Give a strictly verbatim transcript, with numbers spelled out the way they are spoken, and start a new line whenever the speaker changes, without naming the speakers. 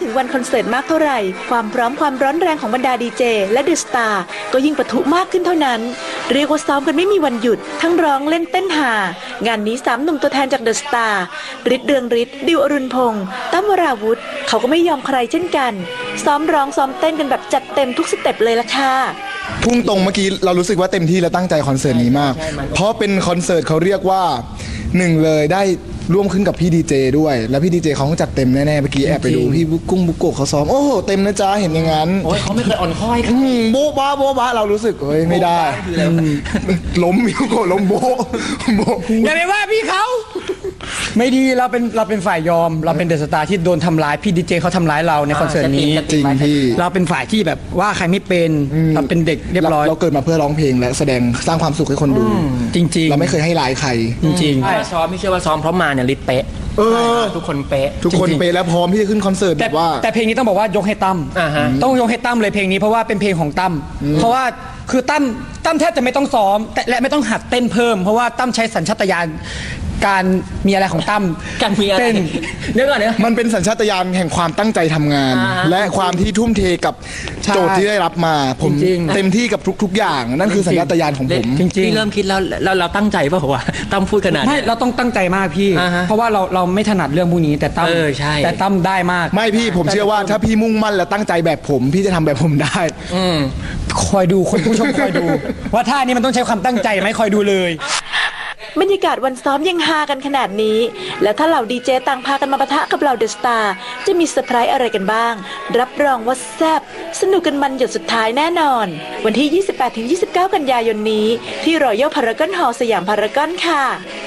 ถึงวันคอนเสิร์ตมากเท่าไหร่ความพร้อมความร้อนแรงของบรรดาดีเจและเดอะสตาร์ก็ยิ่งปะทุมากขึ้นเท่านั้นเรียกว่าซ้อมกันไม่มีวันหยุดทั้งร้องเล่นเต้นหางานนี้สามหนุ่มตัวแทนจากเดอะสตาร์ฤทธิ์เรืองฤทธิ์ดิวอรุณพงษ์ตั้มวราวุธเขาก็ไม่ยอมใครเช่นกันซ้อมร้องซ้อมเต้นกันแบบจัดเต็มทุกสเต็ปเลยล่ะค่ะ
พุ่งตรงเมื่อกี้เรารู้สึกว่าเต็มที่และตั้งใจคอนเสิร์ตนี้มากเพราะเป็นคอนเสิร์ตเขาเรียกว่าหนึ่งเลยได้ร่วมขึ้นกับพี่ดีเจด้วยแล้วพี่ดีเจเขาจัดเต็มแน่ๆเมื่อกี้แอบไปดูพี่บุกุ้งบุกโกะเขาซ้อมโอ้โหเต็มนะจ๊ะเห็นอย่างนั้น
โอ้ยเขาไม่เคยอ่อนค่อย
โบ๊ะบ้าโบ๊ะบ้าเรารู้สึกเฮ้ยไม่ได้ล้มมิวโกะล้มโบ๊ะโบ๊ะ
อย่าไปว่าพี่เขาไม่ดีเราเป็นเราเป็นฝ่ายยอมเราเป็นเดอะสตาร์ที่โดนทำร้ายพี่ดีเจเขาทำร้ายเราในคอนเสิร์ตนี้
จริงพี่
เราเป็นฝ่ายที่แบบว่าใครไม่เป็นเราเป็นเด็กเรียบร้อย
เราเกิดมาเพื่อร้องเพลงและแสดงสร้างความสุขให้คนดู
จริงๆ
เราไม่เคยให้ร้ายใคร
จริงๆ
ใช่ซ้อมไม่เชื่อว่าซ้อมเพราะมาเนี่ยลิศเป๊ะทุกคนเป๊ะ
ทุกคนเป๊ะแล้วพร้อมที่จะขึ้นคอนเสิร์ตแบบว่า
แต่เพลงนี้ต้องบอกว่ายกให้ตั้มต้องยกให้ตั้มเลยเพลงนี้เพราะว่าเป็นเพลงของตั้มเพราะว่าคือตั้มตั้มแทบจะไม่ต้องซ้อมแต่และไม่ต้องหัดเต้นเพิ่มเพราะว่าตั้มใช้สัญชาตญาณการมีอะไรของตั้ม
การมีอะไร
เต้น
เดี๋ยวก่อนเนี่ย
มันเป็นสัญชาตญาณแห่งความตั้งใจทำงานและความที่ทุ่มเทกับโจทย์ที่ได้รับมาผมเต็มที่กับทุกๆอย่างนั่นคือสัญชาตญาณของผม
จริงๆพี่เริ่มคิดแล้วเราเราตั้งใจป่ะว่าตั้มพูดขนาด
ไม่เราต้องตั้งใจมากพี่เพราะว่าเราเราไม่ถนัดเรื่องพวกนี้แต่ตั้มแต่ตั้มได้มาก
ไม่พี่ผมเชื่อว่าถ้าพี่มุ่งมั่นและตั้งใจแบบผมพี่จะทำแบบผมได้
คอยดูคนผู้ชมคอยดูว่าท่านี้มันต้องใช้ความตั้งใจไหมคอยดูเลย
บรรยากาศวันซ้อมยังฮากันขนาดนี้แล้วถ้าเหล่าดีเจต่างพากันมาปะทะกับเหล่าเดอะสตาร์จะมีเซอร์ไพรส์อะไรกันบ้างรับรองว่าแซ่บสนุกกันมันหยดสุดท้ายแน่นอนวันที่ ยี่สิบแปดถึงยี่สิบเก้า กันยายนนี้ที่รอยัลพารากอนฮอลล์สยามพารากอนค่ะ